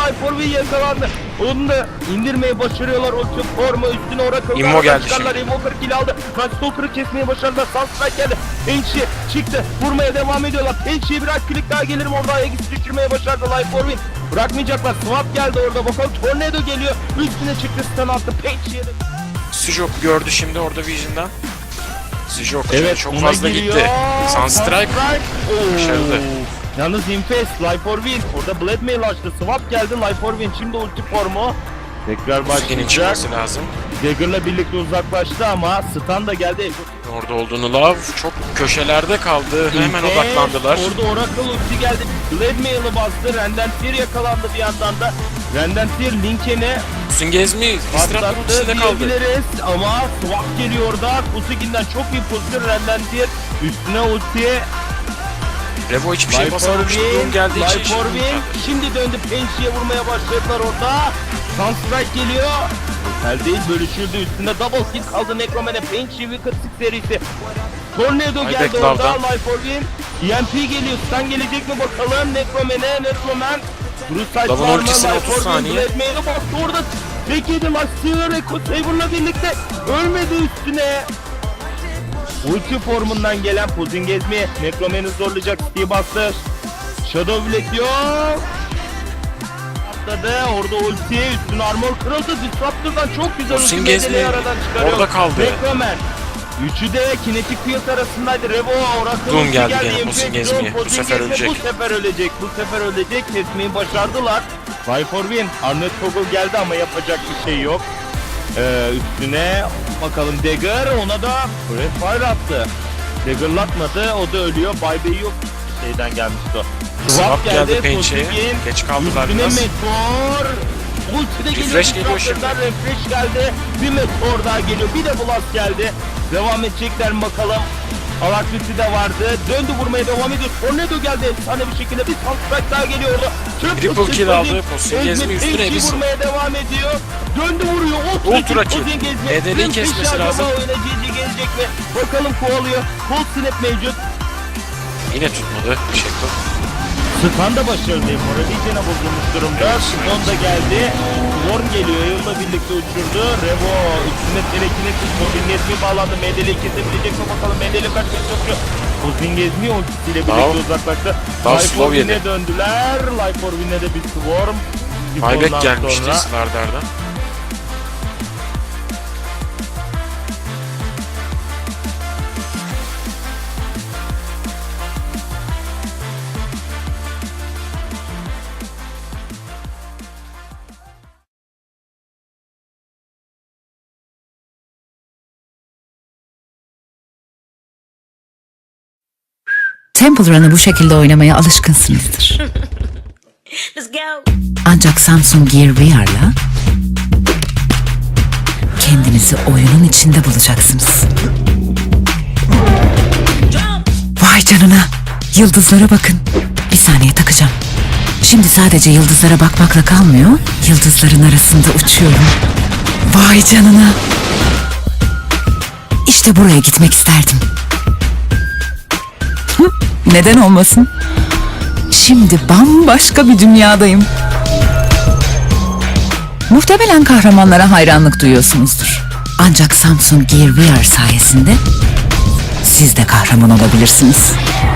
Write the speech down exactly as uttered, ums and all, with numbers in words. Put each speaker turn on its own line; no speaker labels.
Life for V yakalandı. Onu da indirmeyi başarıyorlar. Ulti formu üstüne Oracle.
Immo geldi
çıkarlar.
şimdi.
Immo kırk kill aldı. Stalker'ı kesmeyi başardılar. Sunstrike geldi. Pençi çıktı. Vurmaya devam ediyorlar. Pençi'ye biraz klik daha gelirim orada. Aegis düşürmeye başardı Life for V. Bırakmayacaklar. Swap geldi orada. Bakalım Tornado geliyor. Üstüne çıktı. Stun attı. Pençi'ye de.
Sujok gördü şimdi orada Vision'dan. Sujok
Evet,
çok
ona
fazla
giriyor.
gitti. Sunstrike başarılı.
Yalnız Infest, Life for Win. Orada Blade Mail açtı. Swap geldi. Life for Win. Şimdi ulti formu. Tekrar
Sujok'un
başlayacak.
çıkması lazım.
Dagger'la birlikte uzaklaştı ama stun da geldi.
Orada olduğunu Love çok köşelerde kaldı. Hemen
Infest,
odaklandılar.
Orada Oracle ulti geldi. Blade Mail'ı bastı. Rendantir yakalandı bir yandan da. Rendantir Linken'e
Singezmi Istrat'ın
patlattı
ultisinde kaldı.
diyebiliriz ama Swap geliyor orada. Kusikin'den çok iyi pozisyon. Rendantir üstüne ultiye.
Revo hiçbir şey
Life for
basamamıştı.
Win,
Doom geldiği için
Life for
şimdi
Win. Şimdi döndü Pençi'ye vurmaya başladılar orada. Sunstrike geliyor. El değil bölüşüldü üstünde double kill kaldı Necroman'e. Pençi Wicked Six serisi. Tornado
Ay
geldi
Backlove'dan.
orada. Life for Win. E M P geliyor. Stun gelecek mi bakalım Necroman'e. Necroman. Bruce
Love'ın
var mı?
ultisine
Life
otuz
for Win.
saniye.
Blade Mail'e bastı orada. Tek yedi maç. Silver Echo Saber'la birlikte ölmedi üstüne. Ulti formundan gelen Pozingezmi Necroman'ı zorlayacak. Steve bastı. Shadow Black yok. Atladı. Orada ulti. Üstüne armor kırıldı. Disruptor'dan çok güzel ulti
Pozingezmi
medeleyi aradan çıkarıyor.
orada kaldı.
Necroman. Üçü de kinetik fiyat arasındaydı. Revo, Oracle
Doom
ulti
geldi
geldi.
gene
Impact
Pozingezmi'ye.
Doom,
Bu sefer
Pozingezmi
ölecek.
Bu sefer ölecek. Bu sefer ölecek. Kesmeyi başardılar. Life for Win. Arnold Toggle geldi ama yapacak bir şey yok. Ee, üstüne bakalım Dagger, ona da Breath Fire attı. Dagger'latmadı, o da ölüyor. Buyback yok. Şeyden gelmişti o.
Swap geldi Pençe'ye.
Tosigin,
Geç kaldılar
üstüne
biraz.
Meteor. Ulti de geliyor.
Refresh geliyor şimdi.
Disruptor'dan Refresh geldi. Bir Meteor daha geliyor. Bir de Blast geldi. Devam edecekler mi bakalım. Alakriti de vardı. Döndü vurmaya devam ediyor. Tornado geldi. Efsane bir şekilde bir Sunstrike daha geliyor orada.
Triple kill aldı. Pozingezmi üstüne
bir
bir
vurmaya devam ediyor. Döndü vuruyor.
Ultra kill. Nedeni kesmesi lazım.
Oynayıcı gelecek mi? Bakalım kovalıyor. Cold Snap mevcut.
Yine tutmadı. Shackle.
Stun da başarılı. Morali gene bozulmuş durumda. Stun da geldi. Worm geliyor. Yılla birlikte uçurdu. Revo üstüne telekinetik. Pozingezmi bağlandı. Medeli kesebilecek mi bakalım. Medeli kaçmaya çalışıyor. Pozingezmi ultisiyle birlikte uzaklaştı.
Daha
Life
slow
for
yedi.
Win'e döndüler. Life for Win'e de bir Swarm.
Buyback
Ondan
gelmişti
sonra-
Slardar'dan.
Temple Run'ı bu şekilde oynamaya alışkınsınızdır.
Let's go.
Ancak Samsung Gear V R'la kendinizi oyunun içinde bulacaksınız. Vay canına! Yıldızlara bakın. Bir saniye takacağım. Şimdi sadece yıldızlara bakmakla kalmıyor, yıldızların arasında uçuyorum. Vay canına! İşte buraya gitmek isterdim. Hı, neden olmasın? Şimdi bambaşka bir dünyadayım. Muhtemelen kahramanlara hayranlık duyuyorsunuzdur. Ancak Samsung Gear V R sayesinde siz de kahraman olabilirsiniz.